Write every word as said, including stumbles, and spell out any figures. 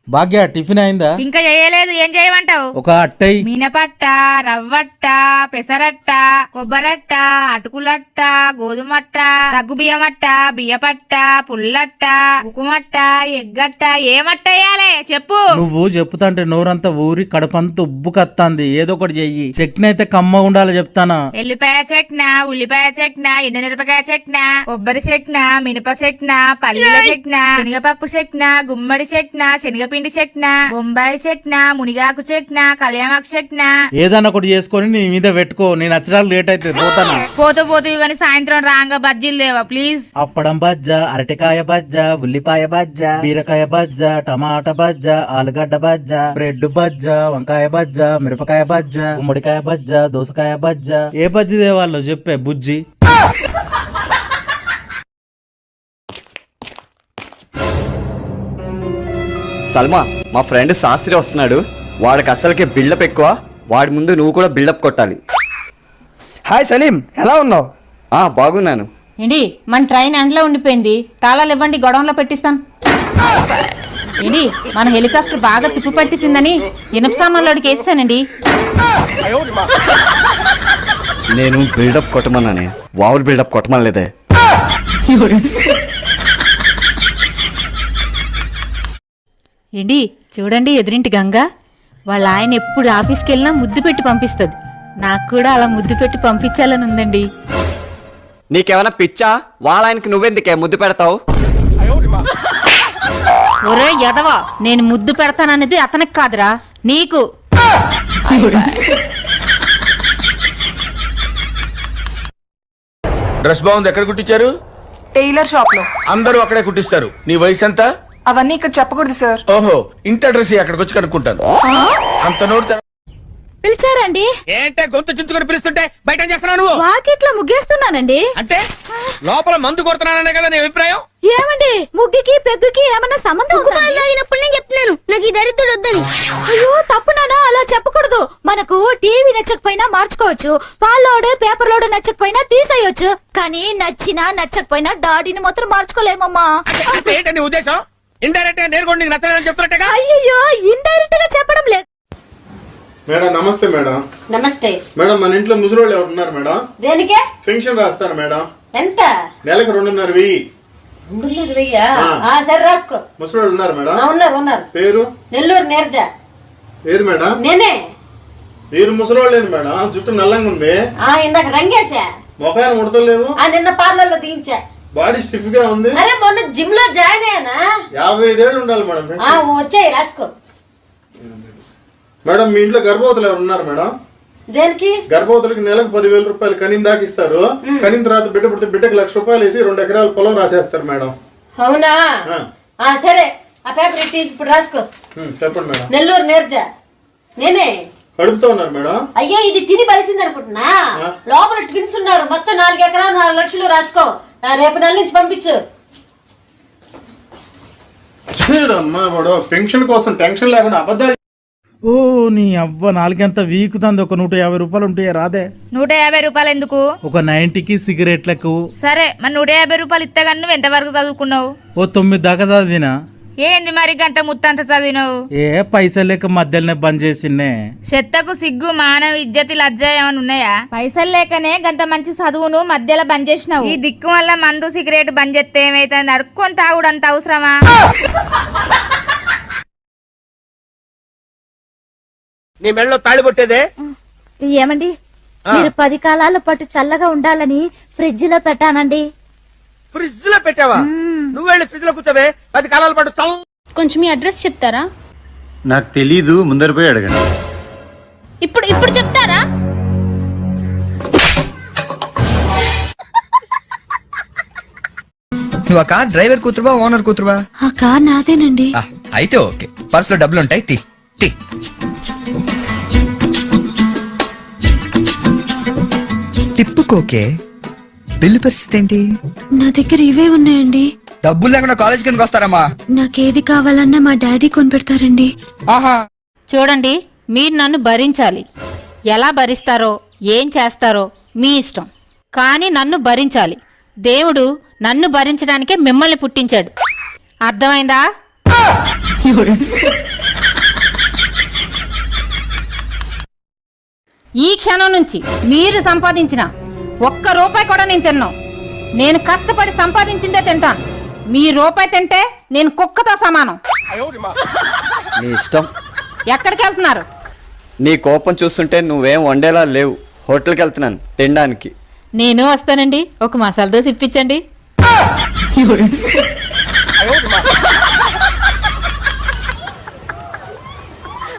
భాగ్య tiffin అయిందా? ఇంకా చేయలేదు. ఏం చేయమంటావు? ఒక అట్టై, మినపట్ట, రవ్వట్ట, పెసరట్ట, కొబ్బరట్ట, అటుకులట్ట, గోధుమట్ట, సగ్గు బియ్యమట్ట, బియ్యపట్ట, పుల్లట్ట, ఉకుమట్ట, ఎగ్గట్ట. ఏమట్ట వేయాలి చెప్పు. నువ్వు చెప్పుతాంటే నోరంతా ఊరి కడపంతా ఉబ్బు కత్తాంది. ఏదో ఒకటి చెయ్యి. చట్నీ అయితే కమ్మ ఉండాలి చెప్తానా. ఎల్లిపాయ చెట్న, ఉల్లిపాయ చెట్న, ఎండుమిరపకాయ చెట్న, కొబ్బరి చెట్న, మినప చెట్న, పల్లీల చెట్న, శనగపప్పు చెట్న, గుమ్మడి చెట్న, శనగపిండి చెట్న, బొంబాయి చెట్న, మునిగాకు చెట్న, కళ్యామాకు చెట్న. ఏదన్నా ఒకటి చేసుకొని నీ మీద పెట్టుకో. నేను నచ్చడానికి లేట్ అయితే పోతానా. పోతూ పోతూ గాని సాయంత్రం రాంగా బజ్జీలు లేవా ప్లీజ్? అప్పడం బజ్జ, అరటికాయ బజ్జ, ఉల్లిపాయ బజ్జ, బీరకాయ బజ్జ, టమాటా బజ్జ, ఆలుగడ్డ బజ్జ, బ్రెడ్ బజ్జ, వంకాయ బజ్జ, మిరపకాయ బజ్జ, గుమ్మడికాయ బజ్జ, దోసకాయ బజ్జ. ఏ బజ్జి దేవాళ్ళు చెప్పే బుజ్జి. సల్మా, మా ఫ్రెండ్ శాస్త్రి వస్తున్నాడు. వాడికి అసలుకే బిల్డప్ ఎక్కువ. వాడి ముందు నువ్వు కూడా బిల్డప్ కొట్టాలి. హాయ్ సలీం, ఎలా ఉన్నావు? ఆ బాగున్నాను. ఏంటి మన ట్రైన్ ఎండలో ఉండిపోయింది. తాళాలు ఇవ్వండి, గొడవలో పెట్టిస్తాను. ఏంటి మన హెలికాప్టర్ బాగా తిప్పు పట్టిసిందని ఇనప సామాన్లోడికి వేస్తానండి. నేను బిల్డప్ కొట్టమన్నానే, వావులు బిల్డప్ కొట్టమనలేదే. ఏంటి చూడండి, ఎదురింటి గంగ వాళ్ళ ఆయన ఎప్పుడు ఆఫీస్కి వెళ్ళినా ముద్దు పెట్టి పంపిస్తుంది. నాకు కూడా అలా ముద్దు పెట్టి పంపించాలని ఉందండి. నీకేమైనా పిచ్చా? వాళ్ళ ఆయనకి నువ్వెందుకే ముద్దు పెడతావు? ఒరే ఎదవా, నేను ముద్దు పెడతాననేది అతనికి కాదురా, నీకు. డ్రెస్ బాగుంది. ఎక్కడ కుట్టించారు? టైలర్ షాప్ లో. అందరూ అక్కడే కుట్టిస్తారు. నీ వయసు ఎంత? అవన్నీ ఇక్కడ చెప్పకూడదు సార్. ఓహో, ఇంటి అడ్రస్ అక్కడికి వచ్చి కనుక్కుంటాను. అంత నోరు పిలిచారండి? ఏంటే గొంతు చించుకొని పిలుస్తుంటే బయట చేస్తున్నాను? వాకిట్లో ముగ్గేస్తున్నానండి. అంటే లోపల మందు కొడుతున్నాననే కదా నీ అభిప్రాయం? ఏమండి, ముగ్గుకి పెగ్గుకి ఏమన్నా సంబంధం అయినప్పుడు నేను చెప్తున్నాను నాకు ఈ దరిద్రుడు వద్దని. అయ్యో తప్పునానా, అలా చెప్పకూడదు. మనకు టీవీ నచ్చకపోయినా మార్చుకోవచ్చు, పాలోడు పేపర్ లోడు నచ్చకపోయినా తీసేయొచ్చు, కానీ నచ్చినా నచ్చకపోయినా డాడీని మాత్రం మార్చుకోలేమమ్మా. ఏంటని ఉద్దేశం? ఇండైరెక్ట్ గా నేను కూడా నీకు నచ్చలేదని చెప్తున్నట్టుగా. అయ్యో ఇండైరెక్ట్ గా చెప్పడం లేదు. మేడం నమస్తే. మేడం నమస్తే. మేడం మన ఇంట్లో ముసలోళ్ళు ఎవరు ఉన్నారు మేడం? దేనికే? పెన్షన్ రాస్తాను మేడం. ఎంత? నెలకు రెండున్నర వెయ్యి. రెండున్నర వెయ్యా? సరే రాసుకో. ముసలోళ్ళు ఉన్నారు మేడం? ఉన్నారు ఉన్నారు. పేరు? నెల్లూరు నీరజ. ఏది మేడం? నేనే. మీరు ముసలోళ్ళు లేదు మేడం, జుట్టు నల్లంగా ఉంది. ఇందాక రంగేశా. మొఖాన్ని ముడతలేవు. నిన్న పార్లర్ లో దించా. బాడీ స్టిఫ్ గా ఉంది. అరే మొన్న జిమ్ లో జాయిన్ అయ్యానా. యాభై ఐదేళ్ళు ఉండాలి మేడం. వచ్చాయి రాసుకో. మేడం మీ ఇంట్లో గర్భవతులు ఎవరు ఉన్నారు మేడం? దేనికి? గర్భవతులకి నెలకు పదివేల రూపాయలు కనిన దాకా ఇస్తారు. కనిన తర్వాత బిడ్డ పుడితే బిడ్డకి లక్ష రూపాయలు వేసి రెండు ఎకరాల పొలం రాసేస్తారు మేడం. అవునా? సరే ఆ పేపర్ ఇట్టి ఇప్పుడు రాసుకో. చెప్పండి మేడం. నెల్లూరు నీరజ. నేనే. కడుపుతో ఉన్నారు మేడం? అయ్యో ఇది తిని బలిసింది అనుకుంటున్నా. లోపల ట్విన్స్ ఉన్నారు. మొత్తం నాలుగు ఎకరాలు నాలుగు లక్షలు రాసుకో. రేపు నెల నుంచి పంపించు. అమ్మా వాడు పెన్షన్ కోసం టెన్షన్ లేకుండా అబద్ధాలు. ఓ నీ అవ్వ నాలుగంత వీకుతుంది. ఒక నూట యాభై రూపాయలు ఉంటాయా రాదే? నూట యాభై రూపాయలు ఎందుకు? ఒక నైన్టీకి సిగరెట్లకు. సరే మరి నూట యాభై రూపాయలు ఇత్తగాని నువ్వు ఎంత వరకు చదువుకున్నావు? ఓ తొమ్మిది దాకా చదివినా. ఏంది మరి గంట ముత్తంత చదివినావు? ఏ పైసలు లేక మధ్యలోనే బంద్ చేసిండే. చెత్తకు సిగ్గు మానవ ఇజ్జతి లజ్జ ఏమైనా ఉన్నాయా? పైసలు లేకనే గంత మంచి చదువును మధ్యలో బంద్ చేసినావు. ఈ దిక్కు వల్ల మందు సిగరెట్ బంద్ చేస్తే ఏమైతుంది? అడుక్కొని తాగుడు అంత అవసరమా? నీ మెడలో తాళి పట్టేదే? ఏమండి, మీరు పది కాలాల పాటు చల్లగా ఉండాలని ఫ్రిడ్జ్ లో పెట్టానండి. ఫ్రిడ్జ్ లో పెట్టావా? నువ్వు వెళ్ళి ఫ్రిడ్జ్ లో కూర్చోవే. పది కాలాల పాటు చల్ల. కొంచెం మీ అడ్రస్ చెప్తారా? నాకు తెలీదు, ముందర పోయి అడగండి. ఇప్పుడు ఇప్పుడు చెప్తారా? నువ్వు ఆ కార్ డ్రైవర్ కూతురువా ఓనర్ కూతురువా? ఆ కార్ నాదేనండి. అయితే ఓకే, పర్స్ లో డబ్బులు ఉంటాయి. Tea tea టిప్పుకోకే. బిల్లు పరిస్థితి ఏంటి? నా దగ్గర ఇవే ఉన్నాయండి. డబ్బులు లేకుండా కాలేజ్ కిందకి వస్తారమ్మా. నాకేది కావాలన్నా మా డాడీ కొనిపెడతారండి. ఆహా, చూడండి, మీరు నన్ను భరించాలి. ఎలా భరిస్తారో ఏం చేస్తారో మీ ఇష్టం, కానీ నన్ను భరించాలి. దేవుడు నన్ను భరించడానికే మిమ్మల్ని పుట్టించాడు. అర్థమైందా? ఈ క్షణం నుంచి మీరు సంపాదించిన ఒక్క రూపాయి కూడా నేను తిన్నాను. నేను కష్టపడి సంపాదించిందే తింటాను. మీ రూపాయి తింటే నేను కుక్కతో సమానం. నీ ఇష్టం. ఎక్కడికి వెళ్తున్నారు? నీ కోపం చూస్తుంటే నువ్వేం వండేలా లేవు. హోటల్కి వెళ్తున్నాను తినడానికి. నేను వస్తానండి, ఒక మసాలా దోశ ఇప్పించండి.